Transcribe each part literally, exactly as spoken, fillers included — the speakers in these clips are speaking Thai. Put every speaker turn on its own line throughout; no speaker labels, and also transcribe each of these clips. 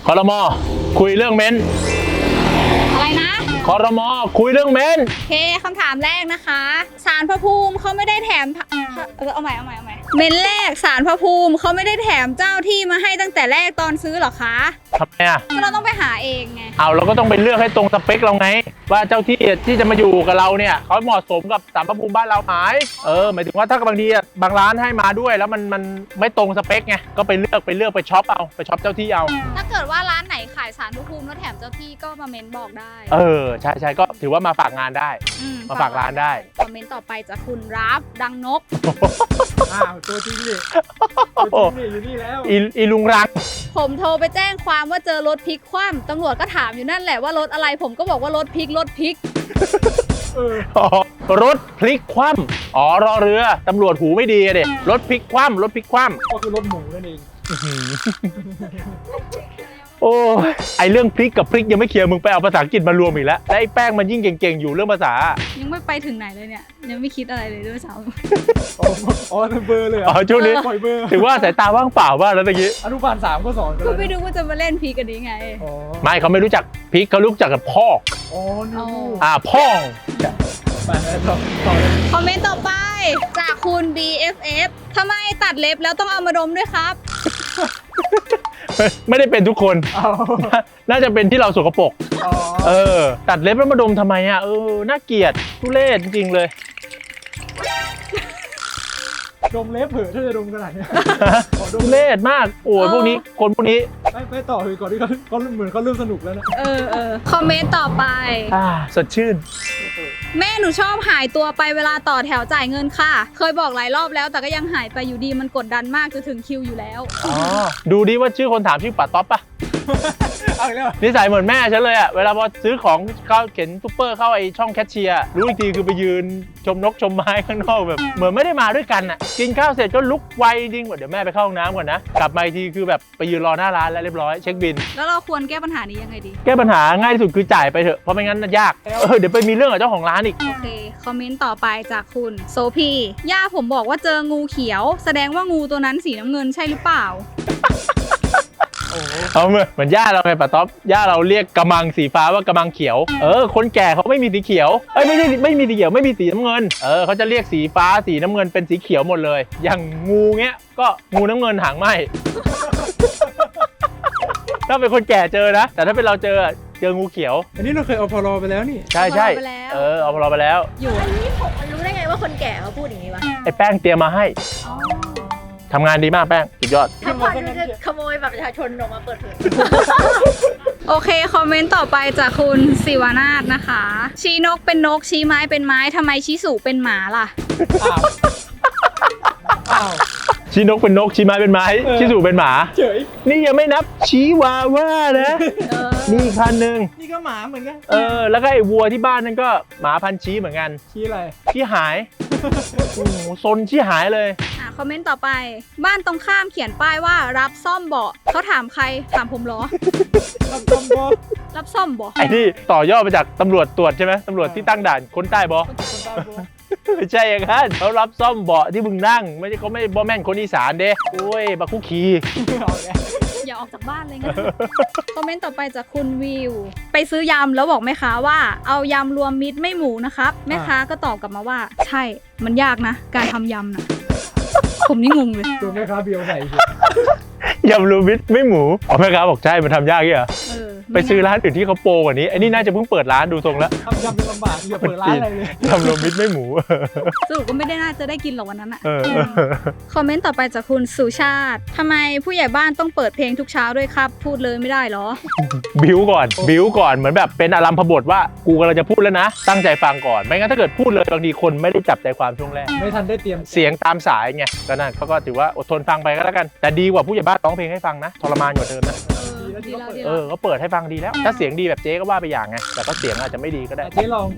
ครม.คุยเรื่องเม้น
อะไรนะ
ครม.คุยเรื่องเม้น
โอเคคำถามแรกนะคะศาลพระภูมิเขาไม่ได้แถมเออเอาใหม่เอาใหม่เอาใหม่เม้นแรกศาลพระภูมิเขาไม่ได้แถมเจ้าที่มาให้ตั้งแต่แรกตอนซื้อหรอคะ
ทำไมอ่ะ
ก็เราต้องไปหาเองไง
เอาเราก็ต้องไปเลือกให้ตรงสเปคเราไงว่าเจ้าที่ที่จะมาอยู่กับเราเนี่ยเขาเหมาะสมกับศาลพระภูมิบ้านเราไหมเออหมายถึงว่าถ้าบางทีบางร้านให้มาด้วยแล้วมันมันไม่ตรงสเปคไงก็ไปเลือกไปเลือกไปช็อปเอาไปช็อปเจ้าที่เอา
ถ้าเกิดว่าร้านไหนขายศาลพระภูมิแล้วแถมเจ้าที่ก็มาเม้นบอกได้
เออใช่ใช่ก็ถือว่ามาฝากงานได้มาฝากร้านได้
คอมเมนต์ต่อไปจากคุณรับดังนก
อ้าวตัวจริงดิตัวจริงดิอยู่นี่แล้ว
อีอีลุงรัง
ผมโทรไปแจ้งความว่าเจอรถพลิกคว่ำตำรวจก็ถามอยู่นั่นแหละว่ารถอะไรผมก็บอกว่ารถพลิกรถพลิก
รถพลิกคว่ำอ๋อรอเรือตำรวจหูไม่ดีเด็รถพลิกคว่ำรถพลิกคว่ำ
ก็คือรถหมูนั่นเอง
โอ้ไอเรื่องพริกกับพริกยังไม่เคลียร์มึงไปเอาภาษาอังกฤษมารวมอีกแล้วและไอแป้งมันยิ่งเก่งๆอยู่เรื่องภาษา
ยังไม่ไปถึงไหนเลยเนี่ยยังไม่คิดอะไรเลยด้วยซ้
ำอ๋อเบอร์เลย
อ๋อช่วงนี้ถือว่าสายตาว่างเปล่าบ้างแล้วตะกี้
อนุบาลสามก็สอน
ก็ไม่รู้ว่าจะมาเล่นพริกกันนี้ไง
ไม่เขาไม่รู้จักพริกเขารู้จักกับพ่อ
อ๋อนี่
อ่าพ่อ
คอมเมนต์ต่อไปจากคุณ บี เอฟ เอฟ ทำไมตัดเล็บแล้วต้องเอามาดมด้วยครับ
ไม่ได้เป็นทุกคนน่าจะเป็นที่เราสกปรกเออตัดเล็บแล้วมาดมทำไมอ่ะเออน่าเกลียดทุเรศจริงๆเลย
ดมเล็บเผลอถ้าจะดมขนาดนี้
ทุเรศมากโอ้ยพวกนี้คนพวกนี้
ไปไปต่อเลยก่อนที่เขาเขาเหมือนเขาเริ่มสนุกแล้วนะ
เออเออคอมเมนต์ต่อไป
อ่าสดชื่น
แม่หนูชอบหายตัวไปเวลาต่อแถวจ่ายเงินค่ะเคยบอกหลายรอบแล้วแต่ก็ยังหายไปอยู่ดีมันกดดันมากจะถึงคิวอยู่แล้ว
อ๋อดูดิว่าชื่อคนถามชื่อป๋าต๊อปปะ
เอาอีกแล้ว
นิสัยเหมือนแม่ฉันเลยอะเวลาพอซื้อของเข้าเข็นซุปเปอร์เข้าไอช่องแคชเชียร์รู้อีกทีคือไปยืนชมนกชมไม้ข้างนอกแบบเหมือนไม่ได้มาด้วยกันอะกินข้าวเสร็จก็ลุกไวจริงกว่าเดี๋ยวแม่ไปเข้าห้องน้ำก่อนนะกลับมาอีกทีคือแบบไปยืนรอหน้าร้านแล้วเรียบร้อยเช็คบิน
แล้วเราควรแก้ปัญหานี้ยังไงดี
แก้ปัญหาง่ายที่สุดคือจ่ายไปเถอะเพราะไม่งั้นยากเออเดี๋ยวไปมีเรื่องกับเจ้าของร้านอีก
โอเคคอมเมนต์ต่อไปจากคุณโซพีย่าผมบอกว่าเจองูเขียวแสดงว่างูตัวนั้นสีน้ำเงินใช่หรือเปล่า
เอาเหมือนเหมือนย่าเราไงป๋าต๊อปย่าเราเรียกกระมังสีฟ้าว่ากระมังเขียวเออคนแก่เขาไม่มีสีเขียวเอ้ยไม่ใช่ไม่มีสีเขียวไม่มีสีน้ำเงินเออเขาจะเรียกสีฟ้าสีน้ำเงินเป็นสีเขียวหมดเลยอย่างงูเงี้ยก็งูน้ำเงินหางไหมถ้าเป็นคนแก่เจอนะแต่ถ้าเป็นเราเจอเจองูเขียว
อันนี้เราเคยเอาพอรอไปแล้วนี่
ใช่ใช่เออเอาพอรอไปแล้ว
อยู่อันนี้ผมรู้ได้ไงว่าคนแก่เขาพูดอย่างนี้วะ
ไอ้แป้งเตรียมมาให้ทำงานดีมากแป้งสุดยอด
ถ้าพอจะขโมยแบบประชาชนออกมาเปิดเผยโอเคคอมเมนต์ต่อไปจากคุณศิวนาถนะคะชี้นกเป็นนกชี้ไม้เป็นไม้ทำไมชี้สูเป็นหมาล่ะ
อ้าว
ชี้นกเป็นนกชี้ไม้เป็นไม้ชี้สูเป็นหมา
เฉย
นี่ยังไม่นับชี้วาว่านะนี่คันหนึ่ง
นี่ก็หมาเหมือนกัน
เออแล้วก็ไอ้วัวที่บ้านนั่นก็หมาพันชี้เหมือนกัน
ชี้อะไร
ชี้หายโอ้โหซนชี้หายเลย
อ่ะคอมเมนต์ต่อไปบ้านตรงข้ามเขียนป้ายว่ารับซ่อมเบาะเขาถามใครถามผมเหรอ
รับซ่อมเบาะ
รับซ่อมเบาะ
ไอ้นี่ต่อยอดมาจากตำรวจตรวจใช่ไหมตำรวจที่ตั้งด่านคนใต้บอไม่ใช่อย่างนั้นเขารับซ่อมเบาะที่มึงนั่งไม่ใช่เขาไม่บอแม่นคนอีสานเด้โอ้ยบักคุกคี
อย่าออกจากบ้านเลยงั้นคอมเมนต์ต่อไปจากคุณวิวไปซื้อยำแล้วบอกแม่ค้าว่าเอายำรวมมิตรไม่หมูนะครับแม่ค้าก็ตอบกลับมาว่าใช่มันยากนะการทำยำนะผมนี่งงเลย
ตัวแม่ค้าเบียวไหน
ยำรวมมิตรไม่หมูอ๋อแม่ค้าบอกใช่มันทำยากเหรอไปซื้อร้านอื่นที่เขาโปรกว่านี้ไอ้นี่น่าจะเพิ่งเปิดร้านดูทรงแล้ว
ทำยำเป็นลำบากอย่าเปิดร้านอะไรเลย
ยำรวมมิตรไม่หมู
สรุปก็ไม่ได้น่าจะได้กินหรอกวันนั้นอ่ะคอมเมนต์ต่อไปจากคุณสุชาติทำไมผู้ใหญ่บ้านต้องเปิดเพลงทุกเช้าด้วยครับพูดเลยไม่ได้หรอ
บิ้วก่อนบิ้วก่อนเหมือนแบบเป็นอารัมพบทว่ากูกำลังจะพูดแล้วนะตั้งใจฟังก่อนไม่งั้นถ้าเกิดพูดเลยบางทีคนไม่ได้จับใจความช่วงแรก
ไม่ทันได้เตรียม
เสียงตามสายไงก็นั่นเขาก็ถือว่าอดทนฟังไปก็แล้วกันแต่ดีกว่าผู้ใหญ่บ้านร้องเพลงให้ฟังนะทรมานกว่าเดิมนะเออก็เปิดให้ฟังดีแล้วถ้าเสียงดีแบบเจ๊ก็ว่าไปอย่างไงแต่ก็เสียงอาจจะไม่ดีก็ได้
เจ๊ลอง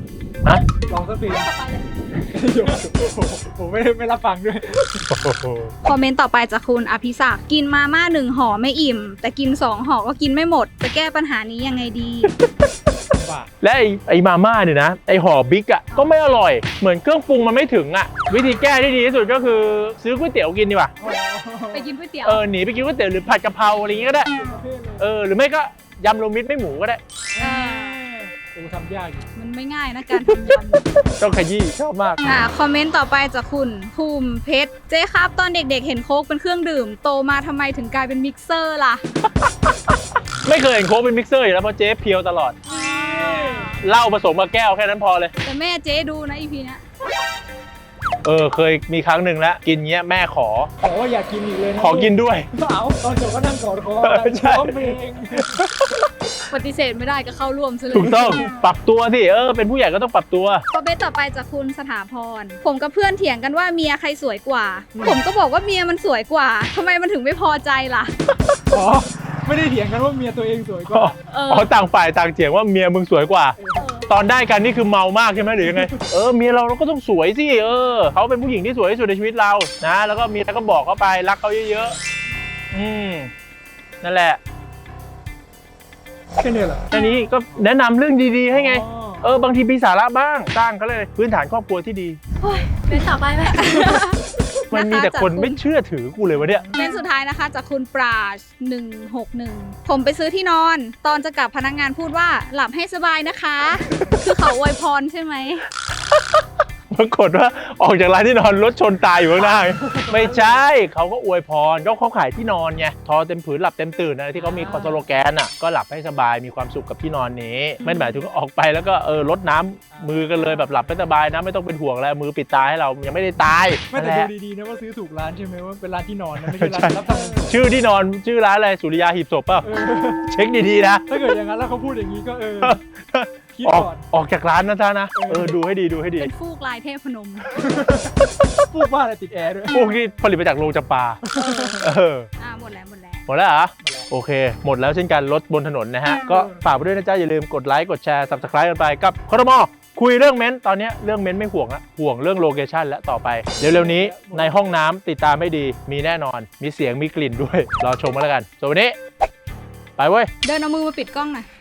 ฮะ
ลองสักที
ต่อไปเลย
ผมไม่ได้ไม่รับฟังด้วย
คอมเมนต์ต่อไปจากคุณอภิศักดิ์กินมาม่าหนึ่งห่อไม่อิ่ม แต่กินสองห่อก็กินไม่หมด จะแก้ปัญหานี้ยังไงดี
บ้า
และไอ้ไอ้มาม่าเนี่ยนะไอ้ห่อบิ๊กอ่ะก็ไม่อร่อยเหมือนเครื่องปรุงมันไม่ถึงอ่ะวิธีแก้ที่ดีที่สุดก็คือซื้อก๋วยเตี๋ยวกินดีกว่า
ไปกินก๋วยเตี๋ยว
เออหนีไปกินก๋วยเตี๋ยวหรือผัดกะเพราอะไรอย่างงี้ก็ได้
ประเภทเลย
เออหรือไม่ก็ยำรวมมิตรไม่หมูก็ได้
อ่า
โอ้ทำยากอยู่
มันไม่ง่ายนะการทำยำ
ต้องขยี้ชอบมาก
อ่าคอมเมนต์ต่อไปจากคุณภูมิเพชรเจ๊ครับตอนเด็กๆ เห็นโค้กเป็นเครื่องดื่ม โตมาทำไมถึงกลายเป็นมิกเซอร์ล่ะ
ไม่เคยเห็นโค้กเป็นมิกเซอร์อยู่แล้วเพราะเจ๊เพียวตลอดเหล้าผสมกับแก้วแค่นั้นพอเลย
แต่แม่เจ๊ดูนะอีพีเนี้ย
เออเคยมีครั้งหนึ่งแล้วกินเงี้ยแม่ขอ
ขอว่าอยากกินอีกเลยนะ
ขอกินด้วย
เอาตอนจบก็นั่งกอดคอ
ใช่
ร้องเพลง
ปฏิเสธไม่ได้ก็เข้าร่วมซะเลย
ถูกต้องปรับตัวสิเออเป็นผู้ใหญ่ก็ต้องปรับตัว
คอมเมนต์ต่อไปจากคุณสถาพรผมกับเพื่อนเถียงกันว่าเมียใครสวยกว่า ผมก็บอกว่าเมียมันสวยกว่าทำไมมันถึงไม่พอใจล่ะ
อ๋อไม่ได้เถียงกันว่าเมียตัวเองสวยกว่า
เออ
อ๋อต่างฝ่ายต่างเถียงว่าเมียมึงสวยกว่า ตอนได้กันนี่คือเมามากใช่ไหมหรือยังไง เออเมียเราเราก็ต้องสวยสิเออเขาเป็นผู้หญิงที่สวยที่สุดในชีวิตเรานะแล้วก็เมียก็บอกเขาไปรักเขาเยอะๆอืมนั่นแหละ
แค่นี้เหรอ
อันนี้ก็แนะนำเรื่องดีๆให้ไง
อ๋อ
เออบางทีมีสาระบ้างสร้างเขาเลยพื้นฐานครอบครัวที่ดี
เป็นต่อไปไหม
มันมีแต่คนไม่เชื่อถือกูเลยวะเนี่ย
เป็นสุดท้ายนะคะจากคุณปราชหนึ่งหกหนึ่งผมไปซื้อที่นอน ตอนจะกลับพนักงานพูดว่าหลับให้สบายนะคะ คือเขาอวยพรใช่ไหม
ปรากฏว่าออกจากร้านที่นอนรถชนตายอยู่ข้างหน้า ไม่ใช่เขาก็อวยพรก็เขาขายที่นอนไงทอเต็มผืนหลับเต็มตื่นอะไรที่เขามีคอนโซลแกนอ่ะก็หลับให้สบายมีความสุขกับที่นอนนี้ไม่หมายถึงออกไปแล้วก็เออลดน้ำมือกันเลยแบบหลับให้สบายนะไม่ต้องเป็นห่วงแล้วมือปิดตาให้เรายังไม่ได้ตาย
ไม่แต่
นั่นแห
ดู
ละ
ดีๆนะว่าซื้อถูกร้านใช่ไหมว่าเป็นร้านที่นอนนะไม่ใช่ร้านรับทำเงินสด
ชื่อที่นอนชื่อร้านอะไรสุริยาหีบศพเปล่า
เออ
เช็คดีๆนะ
ถ้าเกิดอย่างนั้นแล้วเขาพูดอย่างนี้ก็เออ คิด
ออก
ก่อน
ออกจากร้านนะท่านะเออดูให้ดีดูให้ดี
เป็นฟูกลายเทพพนม
พูดว่าอะไรติดแอร์ด้วย
พวกที่ผลิตมาจากโรงจำปาเออ
อ่าหมดแล้วหมดแล้ว
หมดแล้วเหรอโอเค หมดแล้วเช่นกันรถบนถนนนะฮะ ก็ฝากไปด้วยนะจ๊ะ อย่าลืมกดไลค์ กดแชร์ ซับสไคร b ์กันไปกับคอรมอคุยเรื่องเม้นท์ตอนนี้เรื่องเม้นท์ไม่ห่วงละห่วงเรื่องโลเคชั่นและต่อไป เร็วๆนี้ในห้องน้ำติดตามให้ดีมีแน่นอน มีเสียงมีกลิ่นด้วย รอชมกันแล้วกันส่วนวันนี้ ไปเว้ย
เดินเอามือมาปิดกล้องหน่อย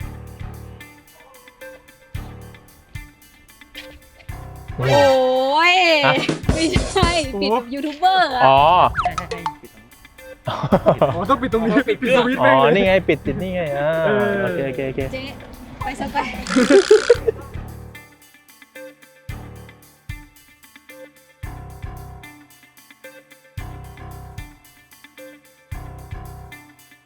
โอ้ย
ฮะ
ไม่ใช่ปิดยูทูบเบอร์อะ
อ๋อ
อ๋อต้องปิดตรงนี้ปิดสวิตช์
อ๋
แม่ง
อ
เลย
นี่ไงปิดติดนี่ไงอ่า
เออ
โอเคโอเคโอเค
เจ๊ไปซะไป